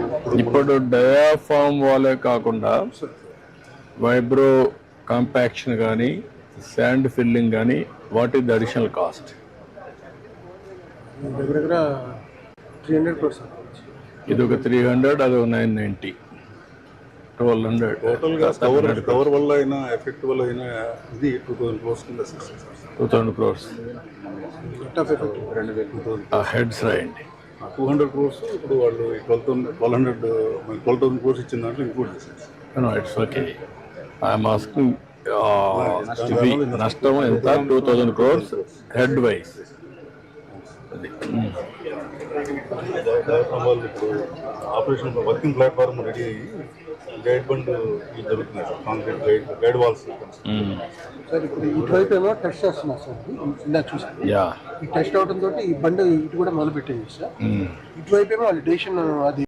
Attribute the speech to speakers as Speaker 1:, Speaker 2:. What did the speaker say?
Speaker 1: ఇప్పుడు డయాఫామ్ వాలే కాకుండా వైబ్రో కాంపాక్షన్ కానీ శాండ్ ఫిల్లింగ్ కానీ what is the additional cost?
Speaker 2: దగ్గర 300 crores.
Speaker 1: ఇది ఒక 300, అది ఒక 990, 1200.
Speaker 3: టోటల్గా కవర్ వల్ల అయినా ఎఫెక్ట్ వల్ల అయినా ఇది 2000 crores కింద
Speaker 1: 2000 crores హెడ్స్ రాయండి.
Speaker 3: 200 crores ఇప్పుడు వాళ్ళు 12,000 crores ఇచ్చిన దాంట్లో ఇంక్లూడ్ చేసేసి.
Speaker 1: It's okay. ఐఎమ్ ఆస్కింగ్ నష్టం ఎంత? 2000 crores హెడ్ వైజ్.
Speaker 3: వాళ్ళు ఇప్పుడు ఆపరేషన్ వర్కింగ్ ప్లాట్ఫామ్ రెడీ అయ్యి గైడ్ బండ్ జరుగుతున్నాయి sir, concrete guide walls.
Speaker 2: Sir ఇప్పుడు ఇటువైపు ఏమో టెస్ట్ చేస్తున్నారు సార్, ఇందాక చూసాను. ఈ టెస్ట్ అవడం తోటి ఈ బండి ఇటు కూడా మొదలు పెట్టింది సార్. ఇటువైపు ఏమో వాళ్ళు డెసిషన్ అది